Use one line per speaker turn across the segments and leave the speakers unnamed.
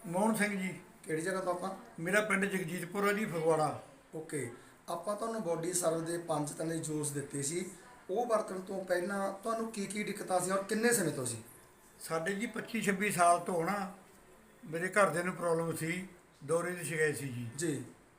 ਮੋਹਨ ਸਿੰਘ ਜੀ।
ਕਿਹੜੀ ਜਗ੍ਹਾ ਤੋਂ ਆਪਾਂ?
ਮੇਰਾ ਪਿੰਡ ਜਗਜੀਤਪੁਰ ਹੈ ਜੀ, ਫਗਵਾੜਾ।
ਓਕੇ। ਆਪਾਂ ਤੁਹਾਨੂੰ ਬੋਡੀ ਸਰਵ ਦੇ 5 ਤਰ੍ਹਾਂ ਦੇ ਜੂਸ ਦਿੱਤੇ ਸੀ, ਉਹ ਵਰਤਣ ਤੋਂ ਪਹਿਲਾਂ ਤੁਹਾਨੂੰ ਕੀ ਦਿੱਕਤਾਂ ਸੀ ਔਰ ਕਿੰਨੇ ਸਮੇਂ ਤੋਂ ਸੀ?
ਸਾਡੇ ਜੀ 25-26 ਸਾਲ ਤੋਂ ਨਾ ਮੇਰੇ ਘਰਦਿਆਂ ਨੂੰ ਪ੍ਰੋਬਲਮ ਸੀ, ਦੌਰੇ ਦੀ ਸ਼ਿਕਾਇਤ ਸੀ ਜੀ।
ਜੀ।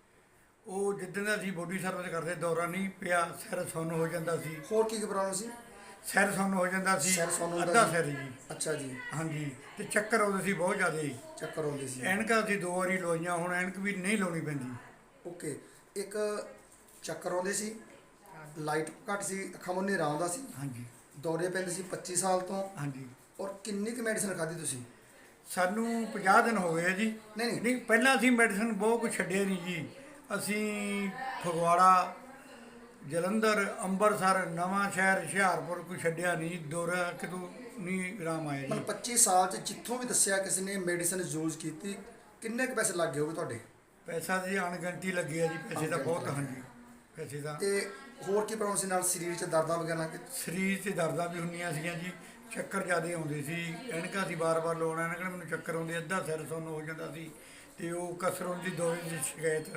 ਉਹ ਜਿੱਦਣ ਦਾ ਅਸੀਂ ਬੋਡੀ ਸਰਵਿਸ ਕਰਦੇ ਦੌਰਾ ਨਹੀਂ ਪਿਆ, ਸਿਰ ਸੁੰਨ ਹੋ ਜਾਂਦਾ ਸੀ।
ਹੋਰ ਕੀ ਪ੍ਰੋਬਲਮ ਸੀ?
ਸਿਰ ਸੁੰਨ ਹੋ ਜਾਂਦਾ ਸੀ,
ਸਿਰ ਸੁੰਨ ਹੁੰਦਾ
ਅੱਧਾ
ਸੀ?
ਸਿਰ ਜੀ।
ਅੱਛਾ ਜੀ।
ਹਾਂਜੀ, ਤੇ ਚੱਕਰ ਆਉਂਦੇ ਸੀ ਬਹੁਤ ਜ਼ਿਆਦਾ।
ਚੱਕਰ ਆਉਂਦੇ ਸੀ?
ਐਨਕਾਂ ਅਸੀਂ 2 ਵਾਰੀ ਲਵਾਈਆਂ, ਹੁਣ ਐਨਕ ਵੀ ਨਹੀਂ ਲਾਉਣੀ ਪੈਂਦੀ।
ਓਕੇ। ਇੱਕ ਚੱਕਰ ਆਉਂਦੇ ਸੀ, ਲਾਈਟ ਘੱਟ ਸੀ, ਅੱਖਾਂ ਮੁੰਨੇ ਹਨੇਰਾ ਆਉਂਦਾ ਸੀ,
ਹਾਂਜੀ
ਦੌਰੇ ਪੈਂਦੇ ਸੀ 25 ਸਾਲ ਤੋਂ।
ਹਾਂਜੀ।
ਔਰ ਕਿੰਨੀ ਕੁ ਮੈਡੀਸਨ ਖਾਧੀ ਤੁਸੀਂ?
ਸਾਨੂੰ 50 ਦਿਨ ਹੋ ਗਏ ਆ ਜੀ।
ਨਹੀਂ।
ਨਹੀਂ, ਪਹਿਲਾਂ ਅਸੀਂ ਮੈਡੀਸਨ ਬਹੁਤ ਕੁਛ ਛੱਡਿਆ ਨਹੀਂ ਜੀ। ਅਸੀਂ ਫਗਵਾੜਾ, ਜਲੰਧਰ, ਅੰਮ੍ਰਿਤਸਰ, ਨਵਾਂ ਸ਼ਹਿਰ, ਹੁਸ਼ਿਆਰਪੁਰ ਕੋਈ ਛੱਡਿਆ ਨਹੀਂ, ਦੌਰਾ ਕਿਤੋਂ ਨਹੀਂ ਆਰਾਮ ਆਇਆ ਜੀ।
ਮਤਲਬ 25 ਸਾਲ 'ਚ ਜਿੱਥੋਂ ਵੀ ਦੱਸਿਆ ਕਿਸੇ ਨੇ ਮੈਡੀਸਨ ਯੂਜ਼ ਕੀਤੀ, ਕਿੰਨੇ ਕੁ ਪੈਸੇ ਲੱਗ ਗਏ ਹੋਗੇ ਤੁਹਾਡੇ?
ਪੈਸਾ ਜੀ ਅਣਗਿਣਤੀ ਲੱਗੇ ਆ ਜੀ, ਪੈਸੇ ਤਾਂ ਬਹੁਤ। ਹਾਂਜੀ, ਪੈਸੇ ਦਾ।
ਤੇ ਹੋਰ ਕੀ ਪ੍ਰੋਬਲਮ ਸੀ ਨਾਲ? ਸਰੀਰ 'ਚ ਦਰਦਾਂ ਵਗੈਰਾ?
ਸਰੀਰ 'ਚ ਦਰਦਾਂ ਵੀ ਹੁੰਦੀਆਂ ਸੀਗੀਆਂ ਜੀ, ਚੱਕਰ ਜ਼ਿਆਦਾ ਆਉਂਦੇ ਸੀ। ਐਨਕਾਂ ਅਸੀਂ ਵਾਰ-ਵਾਰ ਲਾਉਣਾ, ਐਨਕਾਂ ਮੈਨੂੰ ਚੱਕਰ ਆਉਂਦੇ, ਅੱਧਾ ਸਿਰ ਸੁੰਨ ਹੋ ਜਾਂਦਾ ਸੀ। ਤੇ ਉਹ ਕਸਰੋਂ ਦੀ ਦੌਰੇ ਦੀ ਸ਼ਿਕਾਇਤ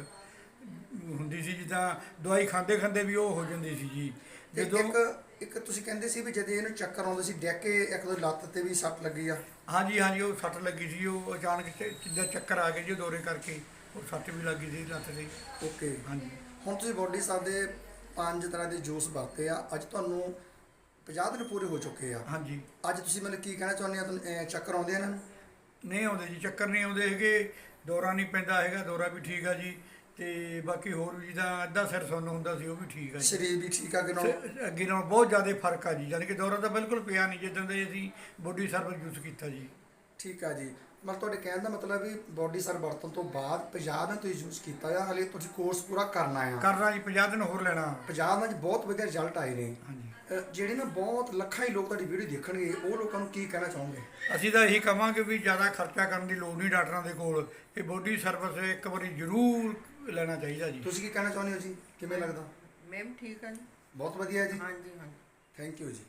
ਹੁੰਦੀ ਸੀ, ਜਿੱਦਾਂ ਦਵਾਈ ਖਾਂਦੇ ਵੀ ਉਹ ਹੋ ਜਾਂਦੀ ਸੀ ਜੀ।
ਤੇ
ਜਦੋਂ
ਇੱਕ ਤੁਸੀਂ ਕਹਿੰਦੇ ਸੀ ਵੀ ਜਦ ਇਹਨੂੰ ਚੱਕਰ ਆਉਂਦੇ ਸੀ ਡਿੱਗ ਕੇ ਇੱਕ ਦੋ ਲੱਤ ਤੇ ਵੀ ਸੱਟ ਲੱਗੀ ਆ?
ਹਾਂਜੀ ਹਾਂਜੀ, ਉਹ ਸੱਟ ਲੱਗੀ ਸੀ। ਉਹ ਅਚਾਨਕ ਜਿੱਦਾਂ ਚੱਕਰ ਆ ਗਏ ਜੀ ਦੌਰੇ ਕਰਕੇ, ਉਹ ਸੱਟ ਵੀ ਲੱਗੀ ਸੀ ਲੱਤ ਤੇ।
ਓਕੇ।
ਹਾਂਜੀ।
ਹੁਣ ਤੁਸੀਂ ਬੋਡੀ ਸਾਹਿਬ ਦੇ 5 ਤਰ੍ਹਾਂ ਦੇ ਜੂਸ ਵਰਤੇ ਆ, ਅੱਜ ਤੁਹਾਨੂੰ 50 ਦਿਨ ਪੂਰੇ ਹੋ ਚੁੱਕੇ ਆ।
ਹਾਂਜੀ।
ਅੱਜ ਤੁਸੀਂ ਮੈਨੂੰ ਕੀ ਕਹਿਣਾ ਚਾਹੁੰਦੇ ਆ? ਤੁਹਾਨੂੰ ਚੱਕਰ ਆਉਂਦੇ ਆ ਇਹਨਾਂ ਨੂੰ?
ਨਹੀਂ ਆਉਂਦੇ ਜੀ, ਚੱਕਰ ਨਹੀਂ ਆਉਂਦੇ ਹੈਗੇ, ਦੌਰਾ ਨਹੀਂ ਪੈਂਦਾ ਹੈਗਾ, ਦੌਰਾ ਵੀ ਠੀਕ ਆ ਜੀ। ਤੇ ਬਾਕੀ ਹੋਰ ਵੀ ਜਿੱਦਾਂ ਅੱਧਾ ਸਿਰ ਸੁੰਨ ਹੁੰਦਾ ਸੀ, ਉਹ ਵੀ ਠੀਕ ਆ ਜੀ।
ਸਰੀਰ ਵੀ ਠੀਕ ਆ ਅੱਗੇ ਨਾਲੋਂ?
ਅੱਗੇ ਨਾਲੋਂ ਬਹੁਤ ਜ਼ਿਆਦਾ ਫਰਕ ਆ ਜੀ, ਯਾਨੀ ਕਿ ਦੌਰਾ ਤਾਂ ਬਿਲਕੁਲ ਪਿਆ ਨਹੀਂ ਜਿੱਦਾਂ ਦੇ ਅਸੀਂ ਬੋਡੀ ਸਰਵਿਸ ਯੂਜ਼ ਕੀਤਾ ਜੀ।
ਠੀਕ ਆ ਜੀ। ਮਤਲਬ ਤੁਹਾਡੇ ਕਹਿਣ ਦਾ ਮਤਲਬ ਵੀ ਬੋਡੀ ਸਰਵ ਵਰਤਣ ਤੋਂ ਬਾਅਦ 50 ਦਿਨ ਤੁਸੀਂ ਯੂਜ਼ ਕੀਤਾ ਆ, ਹਾਲੇ ਤੁਸੀਂ ਕੋਰਸ ਪੂਰਾ ਕਰਨਾ ਆ?
ਕਰਨਾ ਜੀ, 50 ਦਿਨ ਹੋਰ ਲੈਣਾ।
50 ਦਿਨਾਂ 'ਚ ਬਹੁਤ ਵਧੀਆ ਰਿਜ਼ਲਟ ਆਏ ਨੇ।
ਹਾਂਜੀ।
ਜਿਹੜੇ ਨਾ ਬਹੁਤ ਲੱਖਾਂ ਹੀ ਲੋਕ ਤੁਹਾਡੀ ਵੀਡੀਓ ਦੇਖਣਗੇ, ਉਹ ਲੋਕਾਂ ਨੂੰ ਕੀ ਕਹਿਣਾ ਚਾਹੋਗੇ?
ਅਸੀਂ ਤਾਂ ਇਹੀ ਕਹਾਂਗੇ ਵੀ ਜ਼ਿਆਦਾ ਖਰਚਾ ਕਰਨ ਦੀ ਲੋੜ ਨਹੀਂ ਡਾਕਟਰਾਂ ਦੇ ਕੋਲ, ਇਹ ਬੋਡੀ ਸਰਵਿਸ ਇੱਕ ਵਾਰੀ ਜ਼ਰੂਰ ਲੈਣਾ ਚਾਹੀਦਾ ਜੀ।
ਤੁਸੀਂ ਕੀ ਕਹਿਣਾ ਚਾਹੁੰਦੇ ਹੋ ਜੀ? ਕਿਵੇਂ ਲੱਗਦਾ?
ਮੈਮ ਠੀਕ ਹੈ ਜੀ।
ਬਹੁਤ ਵਧੀਆ ਜੀ।
ਹਾਂਜੀ ਹਾਂਜੀ।
ਥੈਂਕ ਯੂ ਜੀ।